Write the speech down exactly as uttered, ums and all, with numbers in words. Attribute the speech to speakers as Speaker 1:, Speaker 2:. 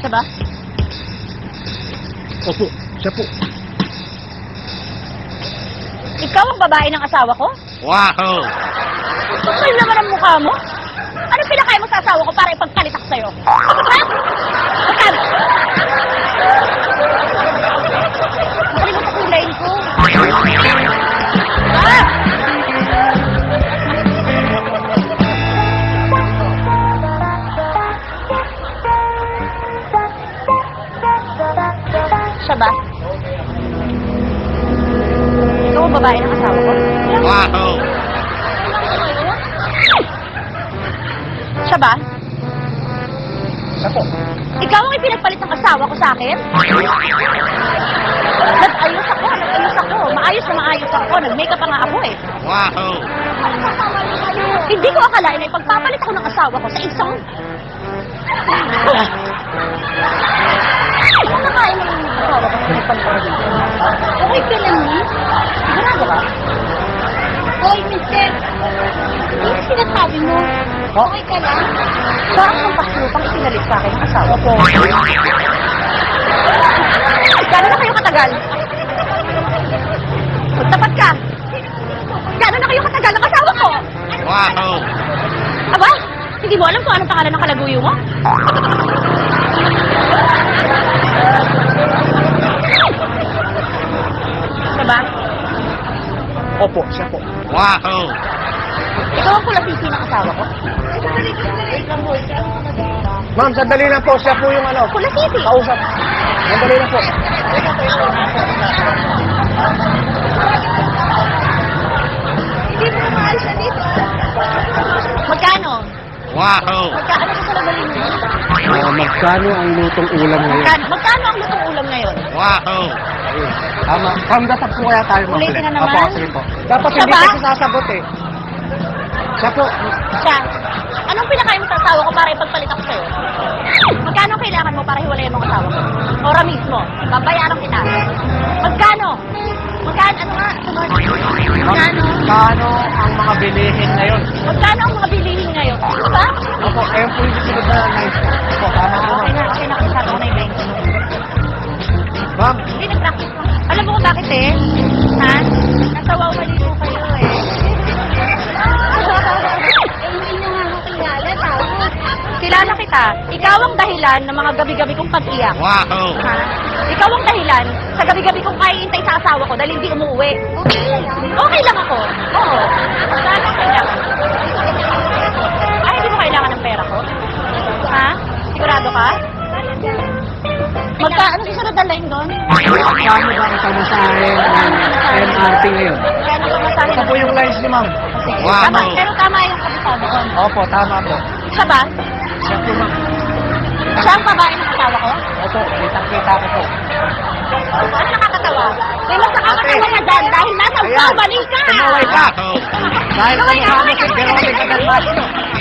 Speaker 1: Siya ba?
Speaker 2: Opo, siya po.
Speaker 1: Ikaw ang babae ng asawa ko?
Speaker 3: Wow!
Speaker 1: Kapal naman ang mukha mo. Ano pinakain mo sa asawa ko para ipagpalit ako sa'yo? Ha? Magkano? Nakalimutan ko yung line ko. Ah! Siya ba? Ikaw ang babae ng asawa ko?
Speaker 3: Wow!
Speaker 1: Siya ba?
Speaker 2: Siya po.
Speaker 1: Ikaw ang ipinagpalit ng asawa ko sa akin? Nag-ayos ako, nag-ayos ako. Maayos na maayos ako. Nag-makeup pa nga ako eh.
Speaker 3: Wow!
Speaker 1: Hindi ko akalain na ipagpapalit ako ng asawa ko sa isang... Ano nakain mo ng asawa ko sa ipagpapalit? Okay ka lang ni? Sigurado ka? Hoy, mister! Ano yung sinasabi mo? Okay ka lang? Parang kang paslupang ipinalit sa akin ng asawa ko. Gano'n na kayo katagal? Magtapat ka! Gano'n na kayo katagal ng asawa ko?
Speaker 3: Wow!
Speaker 1: Aba, hindi mo alam kung anong pangalan ng kalaguyo mo? Diba?
Speaker 2: Opo, siya po.
Speaker 3: Wow!
Speaker 1: Ikaw ang kulasisi ng asawa ko?
Speaker 2: Ma'am, sandali lang po. Siya po yung ano.
Speaker 1: Kulasisi?
Speaker 2: Kausap. Sandali lang po.
Speaker 1: Hindi mo na maalis na dito. Magkano?
Speaker 3: Wow!
Speaker 1: Magkano sa salabalin mo?
Speaker 2: Uh, magkano ang lutong ulam ngayon?
Speaker 1: Magkano, magkano ang lutong ulam ngayon?
Speaker 3: Wow!
Speaker 2: Ayun. Tama. Pangdasap po kaya tayo, ma'am.
Speaker 1: Ulitin na naman.
Speaker 2: Opo, sige po. Dapat
Speaker 1: Siya
Speaker 2: hindi
Speaker 1: ba?
Speaker 2: kasi sasagot eh. Siya po.
Speaker 1: Siya. Anong pinakain mo sa asawa ko para ipagpalit ako sa'yo? Magkano ang kailangan mo para hiwalayan mo ang asawa ko? Ora mismo. Babayaran kita. Magkano? Magkano? Ano nga? Sunod. Magkano?
Speaker 2: Magkano ang mga bilihin ngayon?
Speaker 1: Magkano ang mga bilihin ngayon? Diba?
Speaker 2: Opo, ayun po yung susunod na nice. Opo, tama po,
Speaker 1: Okay
Speaker 2: ma'am.
Speaker 1: na, okay na. Kasama ko na yung bengko.
Speaker 2: Ma'am,
Speaker 1: Hindi, nag-practice ko. Alam mo kung bakit eh? Ha? Nasawaw maligo kayo eh. Eh, hindi nyo nga ako kilala, tao. Kilala kita. Ikaw ang dahilan ng mga gabi-gabi kong pag-iyak.
Speaker 3: Wow!
Speaker 1: Ha? Ikaw ang dahilan sa gabi-gabi kong kaiintay sa asawa ko dahil hindi umuwi. Okay lang. Okay lang ako. Oo. Saan ang kailangan? Ay, hindi mo kailangan ng pera ko? Ha? Sigurado ka? Magka, ano susunod na line doon?
Speaker 2: magkano ba ang pamasahe ng M R T ngayon?
Speaker 1: Kaya nang pamasahe
Speaker 2: Ito po yung lines ni ma'am.
Speaker 1: Sige.
Speaker 3: Wow.
Speaker 1: Tama, pero tama yung kabisado ko.
Speaker 2: Opo, tama po.
Speaker 1: Siya ba?
Speaker 2: Siya po, ma'am.
Speaker 1: Siya ang babae ng asawa ko?
Speaker 2: Opo, kitang-kita ko po.
Speaker 1: Ano nakakatawa? May mas nakakatawa na dyan dahil nasa
Speaker 2: Ayan.
Speaker 1: umaling ka!
Speaker 2: Tumaway ka.
Speaker 3: Wow!
Speaker 2: Dahil
Speaker 1: Tumaway ka,
Speaker 2: kamukha mo
Speaker 1: tumaway
Speaker 2: si
Speaker 1: ka.
Speaker 2: Veronica Del Mastro.